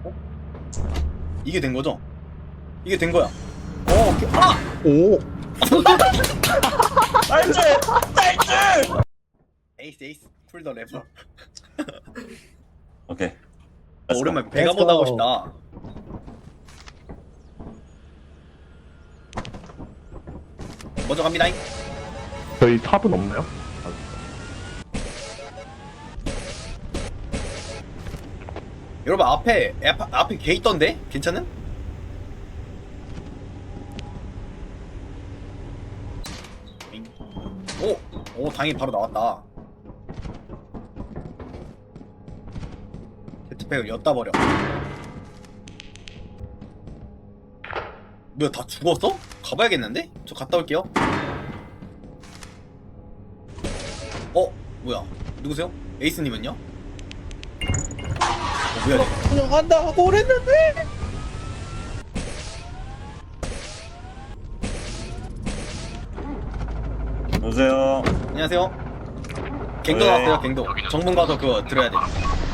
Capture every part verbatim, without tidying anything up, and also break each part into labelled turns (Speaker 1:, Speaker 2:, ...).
Speaker 1: 어? 이게 된 거죠? 이게 된 거야. 어, 오케이. 아!
Speaker 2: 오.
Speaker 1: 나이스! 나이스! 에이스 에이스 쿨더 래퍼.
Speaker 3: 오케이.
Speaker 1: 어, 오랜만에 베가보다 하고 싶다. 먼저 갑니다.
Speaker 2: 저희 탑은 없나요?
Speaker 1: 여러분 앞에 앞, 앞에 개 있던데? 괜찮음? 오! 오 당연히 바로 나왔다. 제트팩을 엿다 버려. 뭐야 다 죽었어? 가봐야겠는데? 저 갔다 올게요. 어? 뭐야? 누구세요? 에이스님은요? 어, 뭐야 이거?
Speaker 2: 그냥 간다 하고 그랬는데.
Speaker 3: 여보세요.
Speaker 1: 안녕하세요. 갱도
Speaker 3: 네.
Speaker 1: 나왔어요. 갱도. 정문 가서 그거 들어야 돼.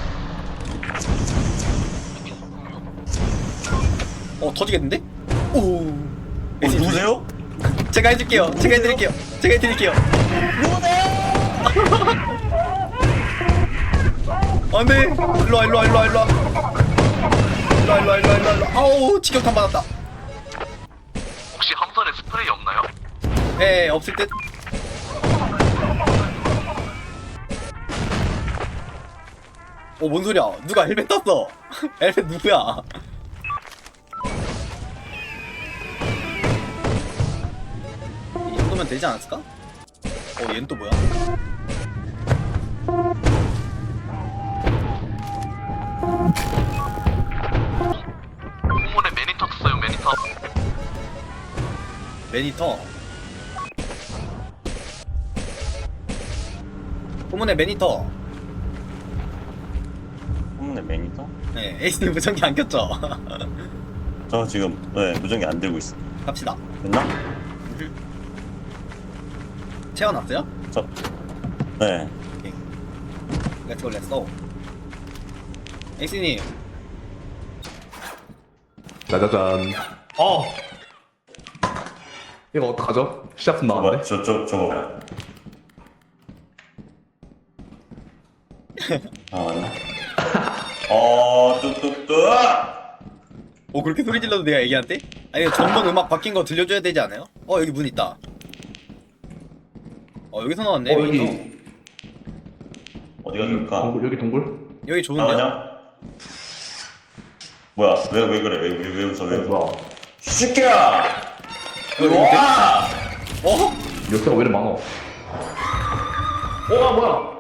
Speaker 1: 어 터지겠는데? 오.
Speaker 3: 어, 누구세요?
Speaker 1: 제가 해줄게요. 제가 해드릴게요. 제가 해드릴게요. 안돼. 일로와 일로와 일로와 일로와. 일로와 일로와 일로와 일로와 일로와. 아우 직격탄 받았다.
Speaker 4: 혹시 함선에 스프레이 없나요?
Speaker 1: 예 없을 듯. 어 뭔 소리야? 누가 헬멧 땄어? 헬멧 누구야? 이 정도면 되지 않았을까? 어 얘는 또 뭐야?
Speaker 4: 후문에 매니터 탔어요 매니터.
Speaker 1: 매니터. 후문에 매니터.
Speaker 3: 혼내 매니터?
Speaker 1: 네 에이스님 무전기 안 켰죠?
Speaker 3: 저 지금 네 무전기 안 들고 있어.
Speaker 1: 갑시다.
Speaker 3: 됐나?
Speaker 1: 채워놨어요?
Speaker 3: 저. 네.
Speaker 1: 오케이. 렛츠고 렛츠고. 에이스님
Speaker 2: 짜자잔. 어. 이거 어떡하죠? 시작품
Speaker 3: 저거
Speaker 2: 나왔네.
Speaker 3: 저저 저거. 아 맞나? 어 뚜뚜뚜.
Speaker 1: 어 그렇게 소리 질러도 내가 애기한테? 아니 전번 음악 바뀐 거 들려줘야 되지 않아요? 어 여기 문 있다. 어 여기서 나왔네.
Speaker 2: 어,
Speaker 1: 여기
Speaker 2: 여기.
Speaker 3: 어디가 좋을까?
Speaker 2: 동굴, 여기 동굴?
Speaker 1: 여기 좋은데요?
Speaker 3: 나가냐? 뭐야? 왜 왜 그래? 왜 왜 왜 웃어? 왜
Speaker 2: 어,
Speaker 3: 웃어?
Speaker 2: 뭐야.
Speaker 3: 새끼야!
Speaker 1: 여기
Speaker 3: 와!
Speaker 1: 어?
Speaker 2: 요새가 왜 이렇게 많아? 어, 아, 뭐야?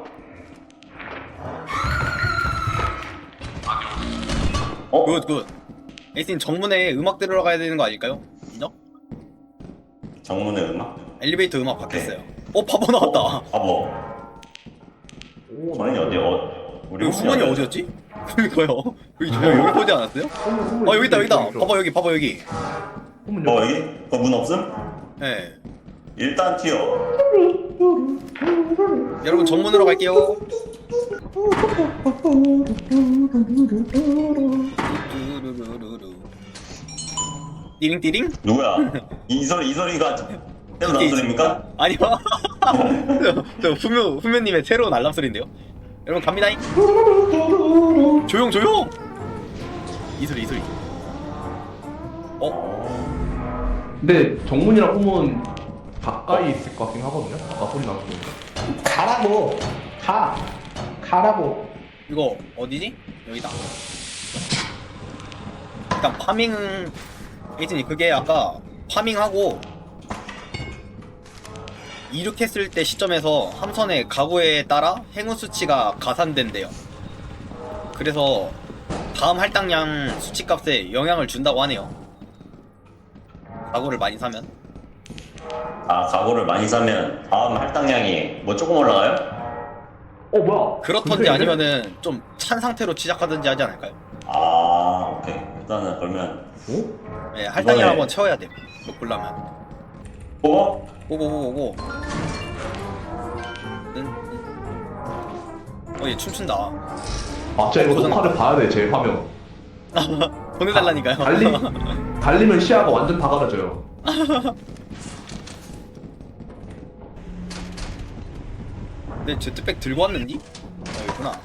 Speaker 3: 어?
Speaker 1: 굿 굿. 에이스님 정문에 음악 들어가야 되는 거 아닐까요? 인정?
Speaker 3: 정문의 음악?
Speaker 1: 엘리베이터 음악 바뀌었어요. 어 바보 나왔다.
Speaker 3: 바보.
Speaker 2: 오,
Speaker 3: 주머니 어디 어? 우리
Speaker 1: 여기 후문이
Speaker 3: 어디야?
Speaker 1: 어디였지? 그니까요. 여기 저 여기 보지 않았어요? 어 여기 있다 여기 있다. 봐봐 여기 봐봐 여기.
Speaker 2: 후문
Speaker 3: 어
Speaker 2: 여기.
Speaker 3: 여기? 어 문 없음?
Speaker 1: 네.
Speaker 3: 일단 튀어.
Speaker 1: 여러분 정문으로 갈게요. 띠링띠링?
Speaker 3: 누구야? 이 소리 이 소리가 새로 나는 소리입니까?
Speaker 1: 아니요. 저, 저 후묘 후묘님의 새로운 알람 소리인데요. 여러분 갑니다. 조용 조용. 이 소리 이 소리. 어?
Speaker 2: 근데 정문이랑 후문 가까이 있을 것 같긴 하거든요? 아까 소리 나는 거.
Speaker 5: 가라고 가 가라고.
Speaker 1: 이거 어디지? 여기다. 일단 파밍 에이진이 그게 아까 파밍하고 이륙했을 때 시점에서 함선의 가구에 따라 행운 수치가 가산된대요. 그래서 다음 할당량 수치값에 영향을 준다고 하네요. 가구를 많이 사면.
Speaker 3: 아 가구를 많이 사면 다음 할당량이 뭐 조금 올라가요?
Speaker 2: 어, 뭐야?
Speaker 1: 그렇던지
Speaker 2: 근데
Speaker 1: 아니면은 좀 찬 상태로 시작하든지 하지 않을까요?
Speaker 3: 아 오케이 일단은 그러면
Speaker 2: 어?
Speaker 1: 네, 할당량
Speaker 3: 이번에-
Speaker 1: 한번 채워야 돼. 이거 보려면.
Speaker 3: 뭐?
Speaker 1: 고고고고고. 응? 응. 어, 얘 춤춘다.
Speaker 2: 아, 진짜 이거
Speaker 1: 고장
Speaker 2: 녹화를 봐야 돼, 제 화면.
Speaker 1: 보내달라니까요.
Speaker 2: 달리 달리면 시야가 완전 다 가려져요.
Speaker 1: 내 제트백 들고 왔는디? 어, 여기구나.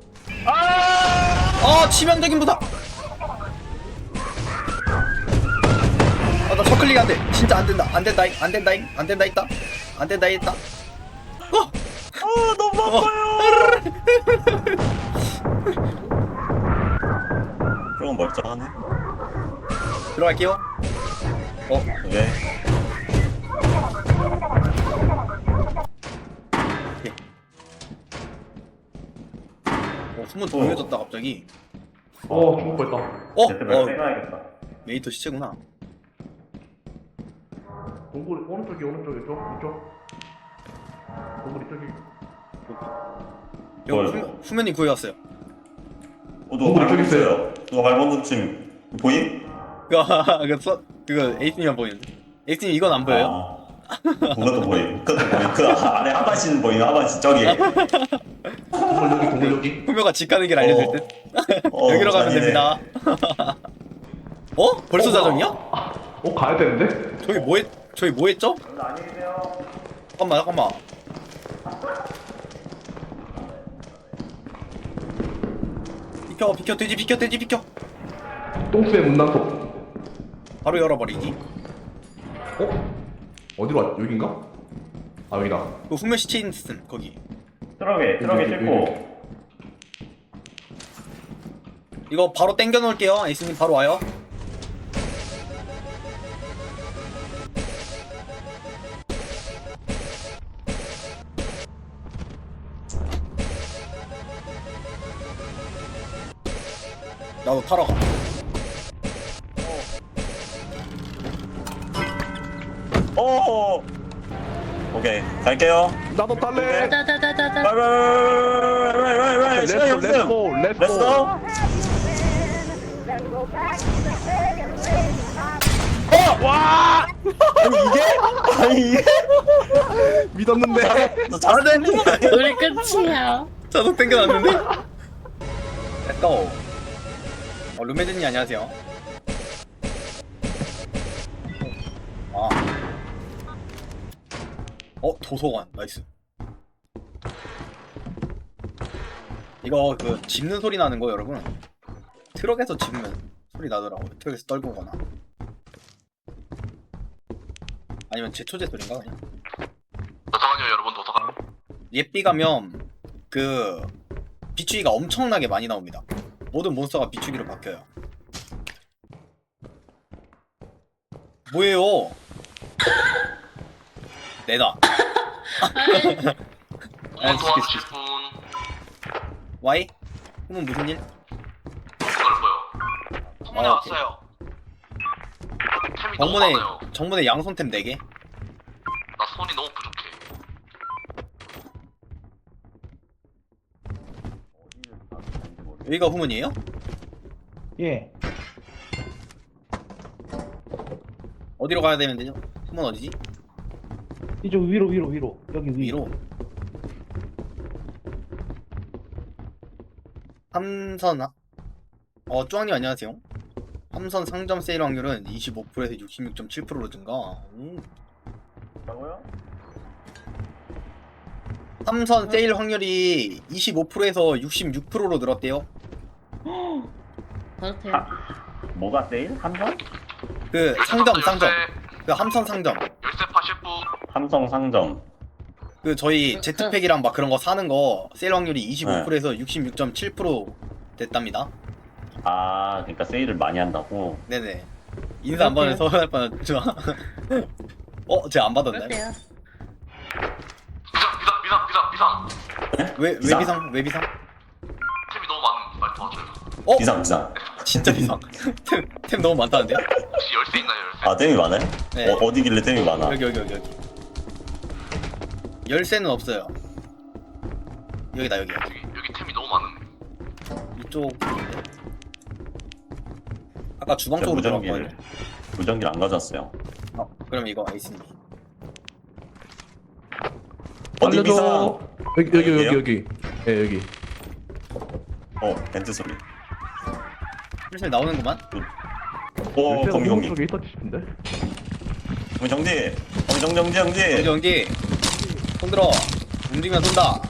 Speaker 1: 아! 치명적인 부상! 아, 나 저클릭 안 돼. 진짜 안 된다. 안 된다잉. 안 된다잉. 안 된다 있다. 안 된다 있다. 어!
Speaker 3: 아 너무 아파요. 그럼 멀쩡하네.
Speaker 1: 들어갈게요. 어?
Speaker 3: 왜?
Speaker 1: 어, 숨은 동요졌다 갑자기.
Speaker 2: 어 죽을 뻔했다.
Speaker 1: 어?
Speaker 3: 제트백
Speaker 1: 어,
Speaker 3: 빼놔야겠다.
Speaker 1: 메이터 시체구나.
Speaker 2: 동굴 오른쪽이 오른쪽이 쪽 이쪽. 동굴 이쪽이.
Speaker 1: 여기
Speaker 3: 뭐야,
Speaker 1: 후,
Speaker 3: 이거?
Speaker 1: 후면이 구해왔어요.
Speaker 3: 어 누가
Speaker 2: 저기
Speaker 3: 발버둥
Speaker 2: 있어요.
Speaker 3: 쳐요. 누가 발버둥 침 보임?
Speaker 1: 그거, 그거, 써- 그거 에이스님만 보이는데. 에이스님 이건 안 보여요?
Speaker 3: 아, 그것도 보임. 그것도 보임. 그 안에 하반신 보이는 하반신 저기.
Speaker 2: 동굴 여기 동굴 여기.
Speaker 1: 후면가 집 가는 길 알려줄
Speaker 3: 어.
Speaker 1: 듯.
Speaker 3: 어,
Speaker 1: 여기로 가면
Speaker 3: 아니네.
Speaker 1: 됩니다. 어? 벌써 자정이야?
Speaker 2: 어 가야 되는데?
Speaker 1: 저기 뭐 했, 저기 뭐 했죠?
Speaker 3: 안녕히 계세요.
Speaker 1: 잠깐만, 잠깐만. 비켜, 비켜, 돼지 비켜, 돼지 비켜.
Speaker 2: 똥스의 문단속.
Speaker 1: 바로 열어버리기.
Speaker 2: 어? 어디로 왔? 여긴가? 아 여기다.
Speaker 1: 그 후면 시체 있음, 거기.
Speaker 3: 트럭에 트럭에
Speaker 2: 여기,
Speaker 3: 싣고.
Speaker 1: 이거 바로 땡겨 놓을게요. 에이스님 바로 와요. 나도 타러 가.
Speaker 3: 오. 오케이 갈게요.
Speaker 2: 나도 탈래.
Speaker 6: 따다다다다.
Speaker 3: 빨빨빨빨빨빨빨빨 시간이 없음.
Speaker 2: 렛츠고
Speaker 3: 렛츠
Speaker 2: 렛츠고.
Speaker 3: 고. 어! 와! 아니 이게? 아니 이게?
Speaker 2: 믿었는데.
Speaker 3: 너 잘하네.
Speaker 6: 우리 끝이야.
Speaker 1: 자동 땡겨놨는데? 렛츠고. 어, 룸메드님 안녕하세요. 아. 어, 도서관. 나이스. 이거 그 짚는 소리 나는 거 여러분. 트럭에서 짚으면 소리 나더라고요. 트럭에서 떨군 거나. 아니면 제초제 소리인가 그냥.
Speaker 4: 도서관이요 여러분 도서관.
Speaker 1: 예삐 가면 그 비추기가 엄청나게 많이 나옵니다. 모든 몬스터가 비추기로 바뀌어요. 뭐예요? 내다.
Speaker 4: 후문 도와주실 분
Speaker 1: 와이? 그러면 무슨 일?
Speaker 4: 넓어요. 후문에
Speaker 1: 아, 오케이.
Speaker 4: 왔어요. 템이 너무
Speaker 1: 정문에
Speaker 4: 많아요.
Speaker 1: 정문에 양손템 네 개.
Speaker 4: 나 손이 너무 부족해.
Speaker 1: 여기가 후문이에요?
Speaker 5: 예.
Speaker 1: 어디로 가야 되면 되죠? 후문 어디지?
Speaker 5: 이쪽 위로 위로 위로 여기 위.
Speaker 1: 위로. 삼선 하- 어 쭈왕님 안녕하세요. 삼선 상점 세일 확률은 이십오 퍼센트에서 육십육 점 칠 퍼센트로 증가. 오.
Speaker 3: 뭐라고요?
Speaker 1: 삼선 세일 확률이 이십오 퍼센트에서 육십육 퍼센트로 늘었대요.
Speaker 6: 그렇대요.
Speaker 3: 뭐가 세일? 함성?
Speaker 1: 그 상점 상점. 그 함선 상점.
Speaker 4: 열쇠 파실 분.
Speaker 3: 함성 상점.
Speaker 1: 그 저희 제트팩이랑 막 그런 거 사는 거 세일 확률이 이십오 퍼센트에서
Speaker 3: 네.
Speaker 1: 육십육 점 칠 퍼센트 됐답니다.
Speaker 3: 아 그러니까 세일을 많이 한다고.
Speaker 1: 네네. 인사 안 받으면 서운할 뻔했죠. 어, 제가 안 받았나요?
Speaker 6: 그렇대요.
Speaker 4: 비상 비상 비상 비상 비상.
Speaker 1: 왜, 왜
Speaker 3: 비상?
Speaker 1: 비상? 왜 비상?
Speaker 4: 템이 너무 많은 말 도와줘요.
Speaker 1: 어?
Speaker 3: 비상 비상.
Speaker 1: 진짜 비상. 템, 템 너무 많다는데요?
Speaker 4: 혹시 열쇠 있나요 열쇠?
Speaker 3: 아 템이 많아요?
Speaker 1: 네.
Speaker 3: 어, 어디길래 템이 많아?
Speaker 1: 여기, 여기, 여기, 여기. 열쇠는 없어요. 여기다, 여기.
Speaker 4: 여기 여기 템이 너무 많은.
Speaker 1: 이쪽. 아까 주방
Speaker 3: 제가
Speaker 1: 쪽으로
Speaker 3: 무전기를
Speaker 1: 들어갔거든요.
Speaker 3: 무전기를 안 가져왔어요.
Speaker 1: 어, 그럼 이거 에이스님.
Speaker 3: 어디 비상?
Speaker 2: 알려줘. 여기 여기 여기
Speaker 3: 여기요?
Speaker 2: 여기. 예 여기.
Speaker 3: 어 벤트 소리.
Speaker 1: 슬슬 나오는구만.
Speaker 3: 오
Speaker 2: 열쇠가
Speaker 3: 거기
Speaker 2: 호문
Speaker 3: 거기
Speaker 2: 쪽에 있었지 싶은데.
Speaker 3: 거기 정지 거기 정지 정지
Speaker 1: 연기
Speaker 3: 정지
Speaker 1: 연기. 손 들어. 움직이면 쏜다.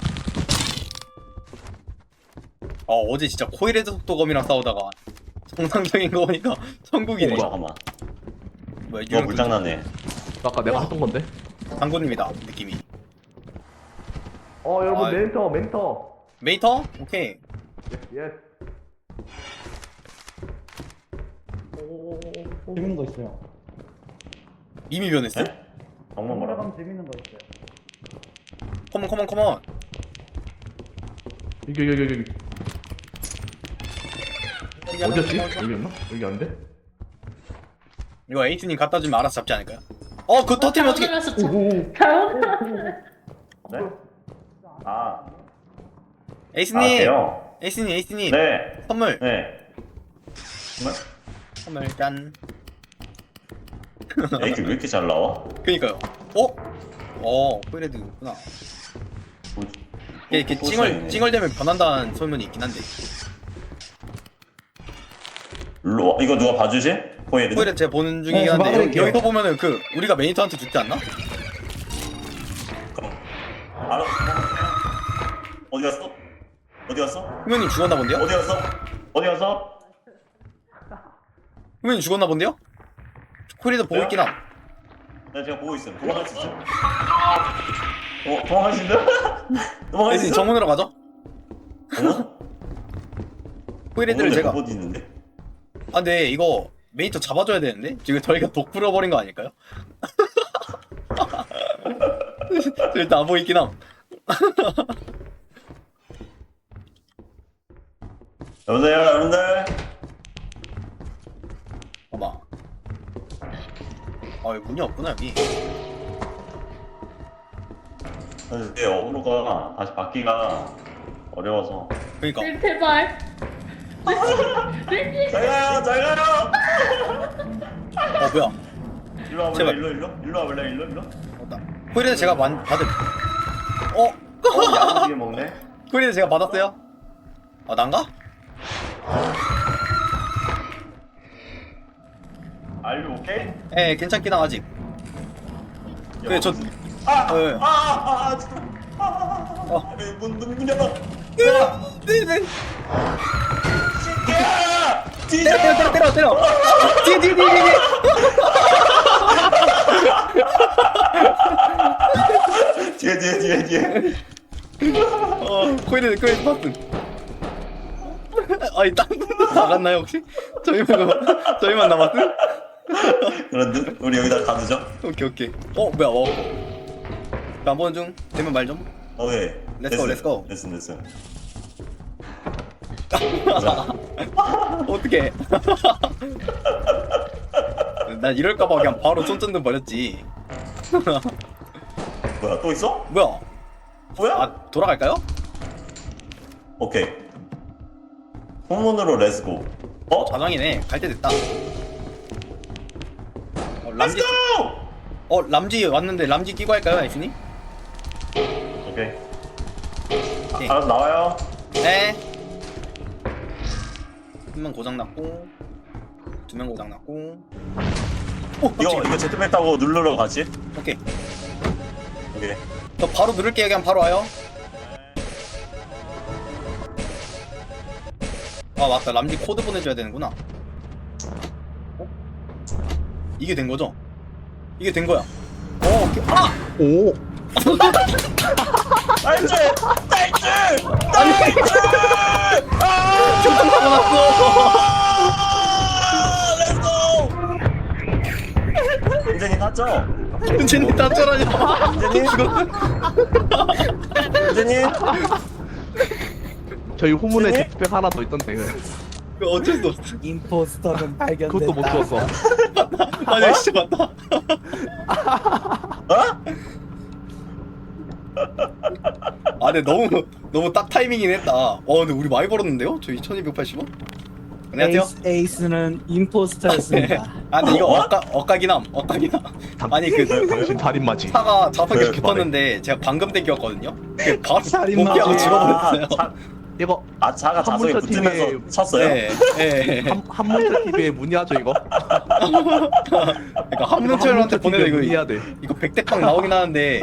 Speaker 1: 어 어제 진짜 코일헤드 속도검이랑 싸우다가 정상적인 거 보니까 천국이네.
Speaker 3: 오 잠깐만
Speaker 1: 뭐야
Speaker 3: 이거 불장난해
Speaker 2: 아까 내가 했던 건데.
Speaker 1: 장군입니다 느낌이.
Speaker 2: 어 여러분
Speaker 1: 아,
Speaker 2: 멘터 멘터.
Speaker 1: 메이터? 오케이.
Speaker 2: 예스.
Speaker 5: 재밌는 거 있어요.
Speaker 1: 이미 변했어?
Speaker 3: 네? 정말 뭐라고?
Speaker 5: 올라가면 재밌는 거 있어요.
Speaker 1: 컴온 컴온 컴온.
Speaker 2: 여기 여기 여기 여기. 어디였지? 여기였나? 여기 아닌데?
Speaker 1: 이거 에이스님 갖다 주면 알아서 잡지 않을까요? 어 그거 터뜨리면 어떻게?
Speaker 6: 잘못 눌렀어. 잘못
Speaker 3: 네? 아,
Speaker 1: 에이스님.
Speaker 3: 아 돼요?
Speaker 1: 에이스님 에이스님.
Speaker 3: 네
Speaker 1: 선물.
Speaker 3: 네. 정말?
Speaker 1: 선물 짠.
Speaker 3: 야, 이게 왜 이렇게 잘 나와?
Speaker 1: 그니까요. 어? 어 코일헤드구나.
Speaker 3: 뭐지?
Speaker 1: 이게 이렇게
Speaker 3: 또
Speaker 1: 찡얼
Speaker 3: 쌓이네.
Speaker 1: 찡얼대면 변한다는 소문이 있긴 한데.
Speaker 3: 일로 와. 이거 누가 봐주지? 코일헤드?
Speaker 1: 코일헤드 제가 보는 중이긴
Speaker 5: 네,
Speaker 1: 한데 여기,
Speaker 5: 막아볼게요.
Speaker 1: 여기서 보면은 그 우리가 메이터한테 죽지 않나?
Speaker 3: 알아. 어디 갔어? 어디 갔어?
Speaker 1: 후면님 죽었나 본데요?
Speaker 3: 어디 갔어? 어디 갔어?
Speaker 1: 후면님 죽었나 본데요? 코일헤드 보고
Speaker 3: 왜요?
Speaker 1: 있긴 함.
Speaker 3: 나 지금 보고 있음. 도망갈 수 있어? 어, 도망갈 수 있나? 도망갈 수
Speaker 1: 에이스님
Speaker 3: 있어?
Speaker 1: 정문으로 가죠?
Speaker 3: 어?
Speaker 1: 코일헤드를 제가
Speaker 3: 어디 있는데?
Speaker 1: 아 근데 이거 메이터 잡아줘야 되는데? 지금 저희가 독 풀어버린 거 아닐까요? 저 일단 안 보이긴 함.
Speaker 3: 여보세요, 여러분들.
Speaker 1: 어마. 아 여기 문이 없구나 여기.
Speaker 3: 근데 어그로가 다시 받기가 어려워서.
Speaker 1: 그니까
Speaker 6: 눌렀어. 제발.
Speaker 3: 잘 가요, 잘 가요.
Speaker 1: 어 뭐야
Speaker 3: 일로 와볼래?
Speaker 1: 제발.
Speaker 3: 일로 일로? 일로 와볼래? 일로 일로?
Speaker 1: 맞다. 코일헤드 제가 많이 받을 어?
Speaker 3: 어, 야무지게 먹네.
Speaker 1: 코일헤드 제가 받았어요? 아 난가?
Speaker 3: Are you okay?
Speaker 1: 예 괜찮긴 함 아직. 그래 저
Speaker 3: 아,
Speaker 1: 어, 예.
Speaker 3: 아, 아, 아, 진짜. 아, 아, 아,
Speaker 1: 어.
Speaker 3: 아, 문, 문, 문 열어.
Speaker 1: 네네
Speaker 3: 야! 뒤져!
Speaker 1: 때려 때려 때려 때려 뒤에 뒤에 뒤에 뒤에
Speaker 3: 뒤에, 뒤에, 뒤에, 뒤에.
Speaker 1: 어 코일헤드 코일헤드 봤음. 아니 딴 분도 나갔나요 혹시? 저희만 그- 저희만 남았음?
Speaker 3: 그런 듯? 우리 여기다 가두죠?
Speaker 1: 오케이 오케이. 어 뭐야 어. 안 보는 중 되면 말 좀.
Speaker 3: 오케이.
Speaker 1: Let's go, let's go.
Speaker 3: 됐어, 됐어.
Speaker 1: 어떻게? 난 이럴까봐 그냥 바로 손전등 버렸지.
Speaker 3: 뭐야, 또 있어?
Speaker 1: 뭐야?
Speaker 3: 뭐야?
Speaker 1: 아 돌아갈까요?
Speaker 3: 오케이. 후문으로 렛츠고. 어?
Speaker 1: 자장이네. 갈 때 됐다. 어, 람지.
Speaker 3: 렛츠고!
Speaker 1: 어 람지 왔는데 람지 끼고 할까요, 아이스님?
Speaker 3: 오케이.
Speaker 1: 오케이.
Speaker 3: 알아서 나와요.
Speaker 1: 네. 한 명 고장 났고, 두 명 고장 났고. 오,
Speaker 3: 이거,
Speaker 1: 깜짝이야.
Speaker 3: 이거 제트백 타고 누르러 가지?
Speaker 1: 오케이.
Speaker 3: 오케이.
Speaker 1: 저 바로 누를게요. 그냥 바로 와요. 아 맞다. 람지 코드 보내줘야 되는구나. 어? 이게 된 거죠? 이게 된 거야. 어, 오케이. 아!
Speaker 2: 오.
Speaker 3: 나이스! 나이스!
Speaker 1: 아니! 교통 사고 났어!
Speaker 3: 렛츠고! 은재님 탔죠?
Speaker 1: 은채님 땄잖아요.
Speaker 3: 은재님? 은재님?
Speaker 2: 저희 후문에
Speaker 3: 네?
Speaker 2: 제트백 하나 더 있던데. 그래.
Speaker 1: 그 어쩔 수 없어.
Speaker 5: 임포스터는 발견됐다.
Speaker 2: 그것도 못 주웠어.
Speaker 1: 아니 진짜 맞다.
Speaker 3: 어?
Speaker 1: 아 근데 너무 너무 딱 타이밍이긴 했다. 와 근데 우리 많이 벌었는데요? 저희 천이백팔십 원? 안녕하세요.
Speaker 5: 에이스, 에이스는 임포스터였습니다.
Speaker 1: 아 근데 이거
Speaker 3: 어?
Speaker 1: 엇가 엇가기남 엇가기남. 아니 그
Speaker 2: 당신 살인마지.
Speaker 1: 차가 좌석에
Speaker 3: 네,
Speaker 1: 붙었는데 제가 방금 땡겼거든요. 그 바로
Speaker 5: 살인마.
Speaker 1: 복귀하고
Speaker 5: 아,
Speaker 1: 죽어버렸어요.
Speaker 3: 차,
Speaker 2: 이거
Speaker 3: 아 자가 자석에
Speaker 2: 한문서
Speaker 3: 붙으면서
Speaker 2: 팀에-
Speaker 3: 쳤어요?
Speaker 1: 네. 네.
Speaker 2: 한 한문철 티비의 문의하죠 이거.
Speaker 1: 그러니까 한문철한테 보내도 이거
Speaker 2: 문의해야 돼.
Speaker 1: 이거 백대빵 나오긴 하는데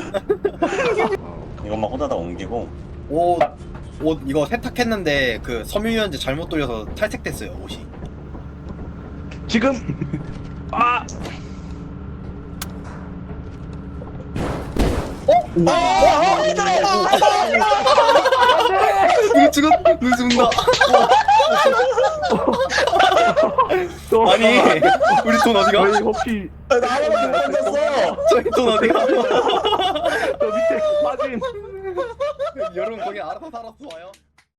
Speaker 3: 이것만 호다다 옮기고
Speaker 1: 옷, 옷 이거 세탁했는데 그 섬유유연제 잘못 돌려서 탈색됐어요 옷이.
Speaker 2: 지금 아
Speaker 1: 이거 죽었, 이거 죽는다. 아니 우리 돈 어디가?
Speaker 2: 왜 혹시
Speaker 3: 아, 나 하나밖에 못 던졌어.
Speaker 1: 저희 돈 어디가?
Speaker 2: 저 밑에 빠진
Speaker 1: 여러분 거기 알아서 살았어 와요.